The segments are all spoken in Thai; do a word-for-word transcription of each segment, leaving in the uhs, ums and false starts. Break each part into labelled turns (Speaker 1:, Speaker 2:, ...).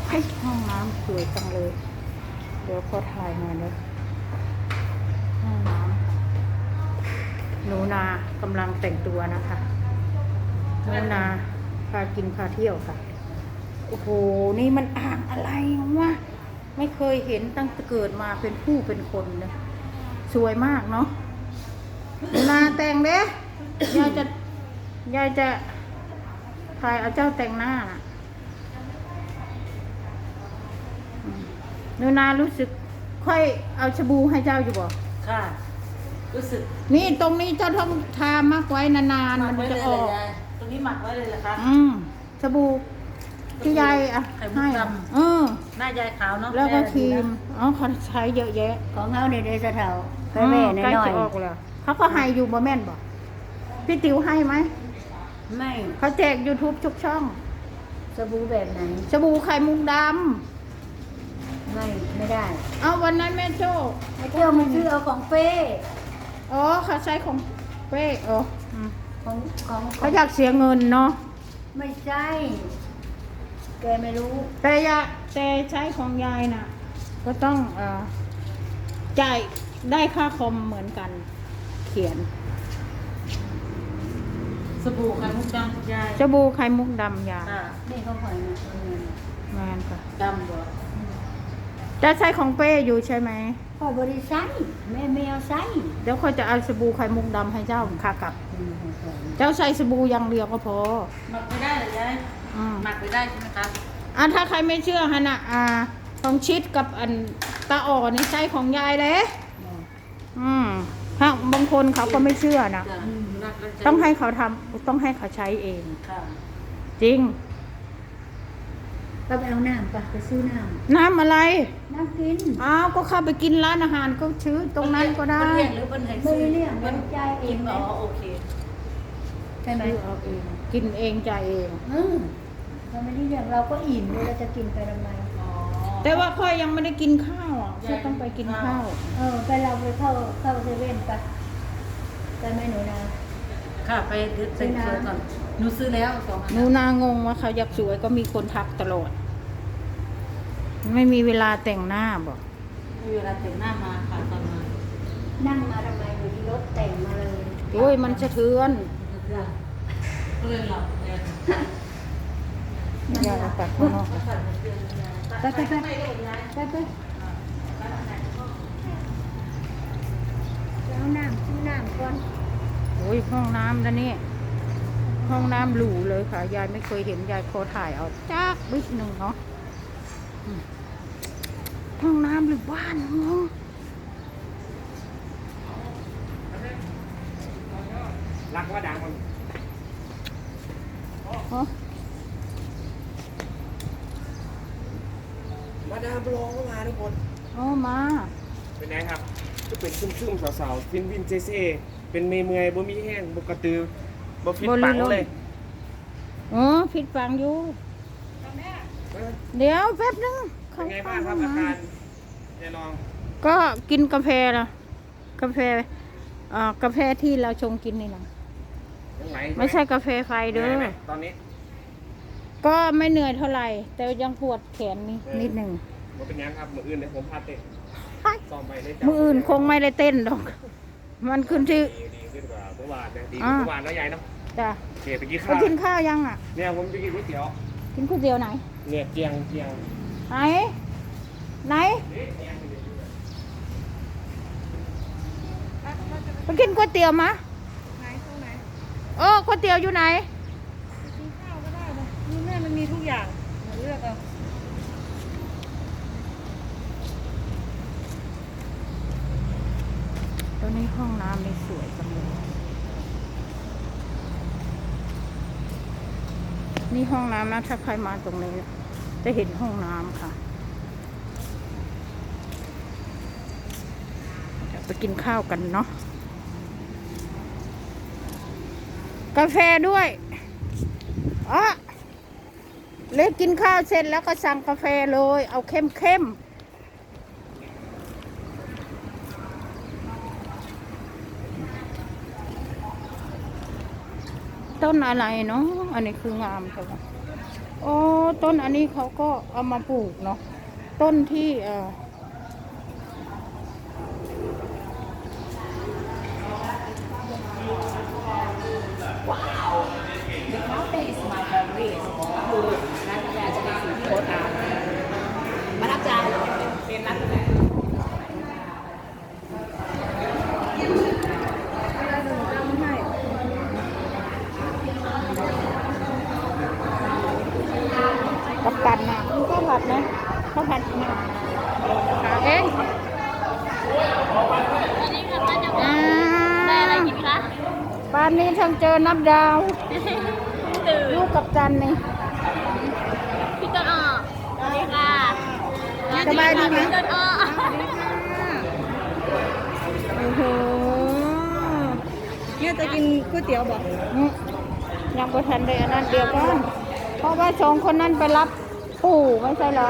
Speaker 1: ให้ห้องน้ำสวยจังเลยเดี๋ยวขอถ่ายหน่อยนะห้องน้ำหนูนากำลังแต่งตัวนะคะหนูนาพากินพาเที่ยวค่ะโอ้โหนี่มันอ่างอะไรวะไม่เคยเห็นตั้งแต่เกิดมาเป็นผู้เป็นคนเลยสวยมากเนาะหนูนาแต่งเด้ยายจะยายจะถ่ายเอาเจ้าแต่งหน้าน่ะหนูนารู้สึกค่อยเอาชบูให้เจ้าอยู่บ่
Speaker 2: ค่ะรู้สึก
Speaker 1: นี่ตรงนี้เจ้าต้องทามักไว้นานๆมันจะออก
Speaker 2: ตรงนี้หมักไว้เลยเหรอคะ
Speaker 1: อืมชบูที่ยายอ่ะให้เออ
Speaker 2: หน้ายายขาวเนาะ
Speaker 1: แล้วก็ครีมอ๋อเขาใช้เยอะแยะ
Speaker 3: ของเขาในเดซเทาแม่แม่น้อยๆ
Speaker 1: ออกแล้วเขาก็ให้อยู่บ่แม่นบ่พี่ติ๋วให้ไหม
Speaker 3: ไม่
Speaker 1: เขาแจก YouTube ทุกช่อง
Speaker 3: สบู่แบบไหน
Speaker 1: สบู่ไข่มุกด
Speaker 3: ำไม่ไม่ได้
Speaker 1: เอาวันนั้นแม่โจ้
Speaker 3: ไอ้เจ้ามันซื้อเอาของเป้
Speaker 1: อ๋อเขาใช้ของเป้อ๋อ
Speaker 3: ของของ
Speaker 1: เขาอยากเสียเงินเนาะ
Speaker 3: ไม่ใช่แกไม่รู้
Speaker 1: แต่ยาแต่ใช้ของยายน่ะก็ต้องเอ่อจ่ายได้ค่าคอมเหมือนกันเขียน
Speaker 2: สบู่ไข่มุกดำยาย
Speaker 1: สบู่ไข่มุกดำยา
Speaker 3: นี่เขาขายนะ
Speaker 1: งานค่ะ
Speaker 2: ดำบ่
Speaker 1: จะใช้ของเป้อยู่ใช่ไหม
Speaker 3: พ่อบริษัทแม่แมวใช้
Speaker 1: เดี๋ยวเขาจะเอาสบู่ไข่มุกดำให้เจ้าค่ะกับเจ้าใช้สบู่อย่างเดียวก็พอ
Speaker 2: หมักไม่ได้เหรอยายหมักไม่ได้ใช่ไหมครับ
Speaker 1: อ่ะถ้าใครไม่เชื่อฮะน่ะอ่าของชิดกับอันตาอ่อนนี่ใช้ของยายเลยอืมถ้าบางคนเขาก็ไม่เชื่อนะต้องให้เขาทำต้องให้เขาใช้เองจริง
Speaker 3: ก็ไปเอาน้ำปะไปซื้อน้ำ
Speaker 1: น้ำอะไร
Speaker 3: น้ำกิน
Speaker 1: อ้าวก็เข้าไปกินร้านอาหารก็ซื้อตรงนั้นก็ได้
Speaker 2: เลี้ยงหรือเป็นไฮ
Speaker 3: ไม่เลี้ยงมันใจเอง
Speaker 2: อ๋อโอเค
Speaker 1: ใช่ไหมเอาเองกินเองใจเอง
Speaker 3: อืมเราไม่ได้เลี้ยงเราก็อิ่มเลยเราจะกินไปทำไม
Speaker 1: แต่ว่าค่อยยังไม่ได้กินข้าวอ่ะค่อยต้องไปกินข้าว
Speaker 3: เออไปเราไปเข้าเข้าเซเว่นไปไปไหมหนูนา
Speaker 2: ค่ะไปเซ็นเซอร์ก่อนหนูซื้อแล้วสองอัน
Speaker 1: หนูนางงว่าเขาอยากสวยก็มีคนทักตลอดไม่มีเวลาแต่งหน้าบอก
Speaker 2: ไม่มีเวลาแต่งหน้ามาค่ะตอนมา
Speaker 3: นั่งมาทำไมอยู่ที่รถแต่งมาเลย
Speaker 1: โอ้ยมันสะเทือน
Speaker 2: ก็เลยหลับเลย
Speaker 1: อย่าตัดข้างนอก
Speaker 3: ไปไปไปไปไปแล้วน้ำซื้อน้ำก่อน
Speaker 1: โอ้ยห้องน้ำแล้วนี่ห้องน้ำหรูเลยค่ะยายไม่เคยเห็นยายโคถ่ายเอาจ้าบิ๊กหนึ่งเนาะห้องน้ำหรือบ้านงง
Speaker 4: รักว่าดังมันมาดามบลองก็มาทุกคน
Speaker 1: อ๋อมา
Speaker 4: เป็นไงครับก็เป็นซึมๆสาวๆฟินวินเจเซเป็นเมย์เมย์บ่มีแห้งบ่กระตือบ่ฟิตปังเลย
Speaker 1: อ๋อฟิตปังอยู่เดี๋ยวแป๊บนึง
Speaker 4: เป็นไงบ้างครับอาการยายน้อง
Speaker 1: ก็กินกาแฟนะกาแฟอ่ากาแฟที่เราชงกินนี่นะไม่ใช่กาแฟไฟเด้อ
Speaker 4: ตอนนี้
Speaker 1: ก็ไม่เหนื่อยเท่าไหร่แต่ยังปวดแขนนี่นิดหนึ่ง
Speaker 4: มันเป็นยังครับมืออื่นเนี่ยผมพาเตะซ้อมไปได้
Speaker 1: มืออื่นคงไม่ได้เต้นหรอกมันขึ้นที่
Speaker 4: ดีขึ้นกว่าเมื่อวานดีกว่าเมื่อวานแล้วยายเนาะ
Speaker 1: จ้ะ
Speaker 4: เกไปกินข้าว
Speaker 1: กินข้าวยังอ่ะ
Speaker 4: เนี่ยผมจะกินก๋วยเตี๋ยว
Speaker 1: กินก๋วยเตี๋ยวไหน
Speaker 4: เนี่ยเจียงเจียง
Speaker 1: ไหนไหนไปกินก๋วยเตี๋ยวมะไหนตรงไหนโอ้ก๋วยเตี๋ยวอยู่ไหน
Speaker 2: กินข้าวก็ได้นะนี่แม่มันมีทุกอย่างเลือกเอา
Speaker 1: ตอนนี้ห้องน้ำนี่สวยจังเลยนี่ห้องน้ำนะถ้าใครมาตรงนี้จะเห็นห้องน้ำค่ะไปกินข้าวกันเนาะกาแฟด้วยอ๋อเล็กกินข้าวเสร็จแล้วก็สั่งกาแฟเลยเอาเข้มเข้มต้นอะไรเนาะอันนี้คืองามใช่ไหมโอ้ต้นอันนี้เขาก็เอามาปลูกเนาะต้นที่เอ่อ
Speaker 3: The cafe is my favorite คือร้านกาแฟจะเป็นสิ่งที่โอ๊ตอ่านประทับใจเป็นร้านกาแฟ
Speaker 1: กับกันนะมันก็หลับนะเขาผัดมาหาเอง
Speaker 2: อันนี้ค่ะป้าจะ
Speaker 1: อ่า
Speaker 2: ได้อะไรกินคะ
Speaker 1: บ้านนี้ทั้งเจอนับดาว
Speaker 2: ตื่น
Speaker 1: ลูกกับจันนี่
Speaker 2: พี่ต้นอ้อสวัสดีค่ะ
Speaker 1: สบายดีไหม
Speaker 2: พี่ต้นอ้อ
Speaker 1: โอ้โห
Speaker 2: เนี่ยจะกินก๋วยเตี๋ยวบอก
Speaker 1: อืมยังบ่ทันได้อันนั้นเดียวก่อนเพราะว่าสองคนนั้นไปรับปู่ไม่ใช่เหรอ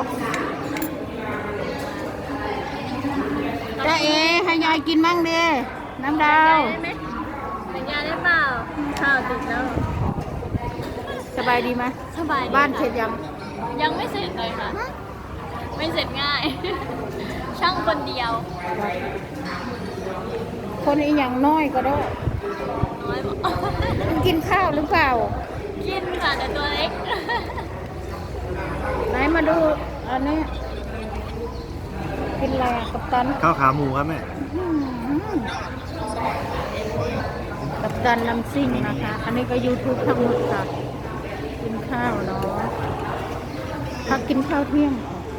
Speaker 1: จ้าเอให้ยายกินมั่งดิน้ำดาว
Speaker 2: ได้ไหมสัญญาได้เปล่าข้าวติดแล้ว
Speaker 1: สบายดีไหม
Speaker 2: สบายดี
Speaker 1: บ้าน
Speaker 2: ค่ะ
Speaker 1: เสร็จยัง
Speaker 2: ยังไม่เสร็จเลยค่ะ ไม่เสร็จง่าย ช่างคนเดียว
Speaker 1: คนอีหยังน้อยก็ได้
Speaker 2: น้อยบอก
Speaker 1: มันกินข้าวหรือเปล่า
Speaker 2: กินค่ะแต่ตัวเล็ก
Speaker 1: ไหนมาดูอันนี้กินอะไรอะกัปตัน
Speaker 5: ข้าวขาหมูครับแม่
Speaker 1: อืมกัปตันน้ำซิ่งนะคะ อันนี้ก็ยูทูบทั้งหมดค่ะ กินข้าวเนาะพักกินข้าวเที่ยง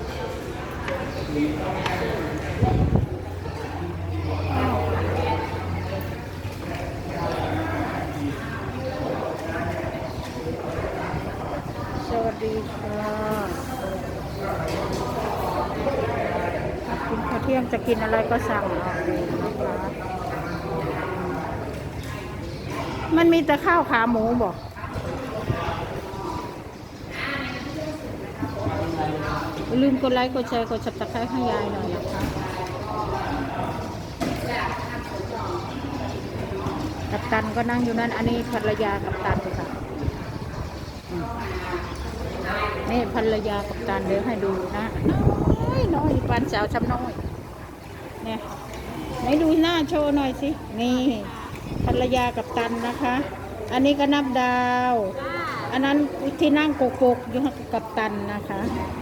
Speaker 1: ค่ะ สวัสดีค่ะกินข้าวเที่ยงจะกินอะไรก็สั่งเอาเองนะคะ มันมีแต่ข้าวขาหมูบอกอย่าลืมกดไลค์กดแชร์กด ซับสไครบ์ให้ยายหน่อยนะคะกัปตันก็นั่งอยู่นั่นอันนี้ภรรยากัปตันค่ะอืมนี่ภรรยากัปตันเดี๋ยวให้ดูนะน้อยน้อยปานสาวชำน้อยเนี่ยไหนดูหน้าโชว์หน่อยสินี่ภรรยากัปตันนะคะ อันนี้ก็นับดาว อันนั้นที่นั่งโกกๆอยู่กับกัปตันนะคะ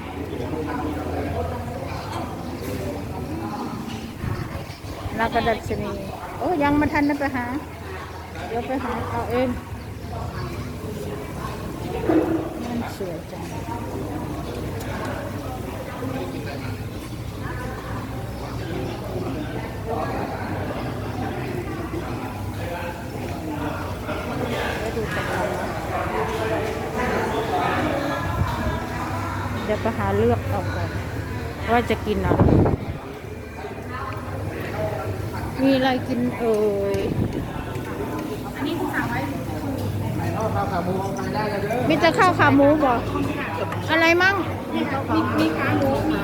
Speaker 1: นักกระดัชนีโอ้ยังมาทันนะไปหาเดี๋ยวไปหาเอาเองมันสวยจังเดี๋ยวไปหาเลือกเอาก่อนว่าจะกินอะไรมีอะไรกินเอ่ยมีแต่ข้าวขาหมูบ่อะไรมั่งมีมีขาหมูมี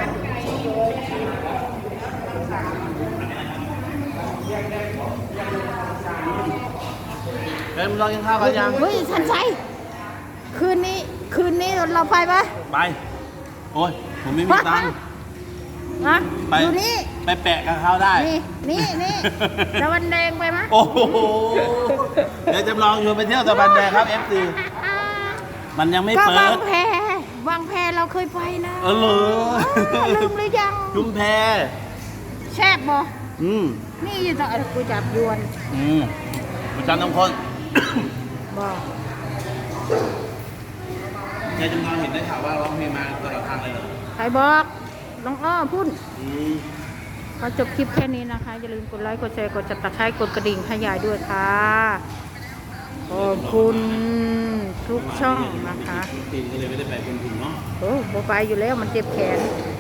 Speaker 5: เอ็มลองกินข้าวกันยัง
Speaker 1: เฮ้ยทันใจคืนนี้คืนนี้เราไปปะ
Speaker 5: ไป โอ้ย ผมไม่มีตังค์
Speaker 1: ฮะ
Speaker 5: ไป
Speaker 1: อยู่นี่
Speaker 5: ไปแปะกับเขาได้
Speaker 1: นี่นี่นี่ตะวันแดงไปมะ
Speaker 5: โอ้โห เดี๋ยวจำลองชวนไปเที่ยวตะบันแดงครับ เอฟ ซี มันยังไม่
Speaker 1: ก็
Speaker 5: เปิ
Speaker 1: วาง
Speaker 5: ด
Speaker 1: แพวางแพเราเคยไปนะ
Speaker 5: เออเหรอ
Speaker 1: เออลืมหรือยัง
Speaker 5: ชุมแพ
Speaker 1: แซ่บบ่
Speaker 5: อืม
Speaker 1: นี่อยู่ตรงกูจับยวน
Speaker 5: อืมประจำต้องคน
Speaker 1: บ่
Speaker 5: ยายจำลองเห็นได้ข่าวว่าร้องเพลงมาตลอดทางเลยเหรอ
Speaker 1: ใครบอกน้องอ้อพุ่น
Speaker 5: อืม
Speaker 1: ขอจบคลิปแค่นี้นะคะ อย่าลืมกดไลค์ กดแชร์ กดจับตะไคร้กดกระดิ่งให้ยายด้วยค่ะ ขอบคุณทุกช่องนะคะ
Speaker 5: ปีก็เลยไม่ได้ไปเป็นถุงเนาะ
Speaker 1: โอ้โบไปอยู่แล้วมันเจ็บแขน
Speaker 5: อ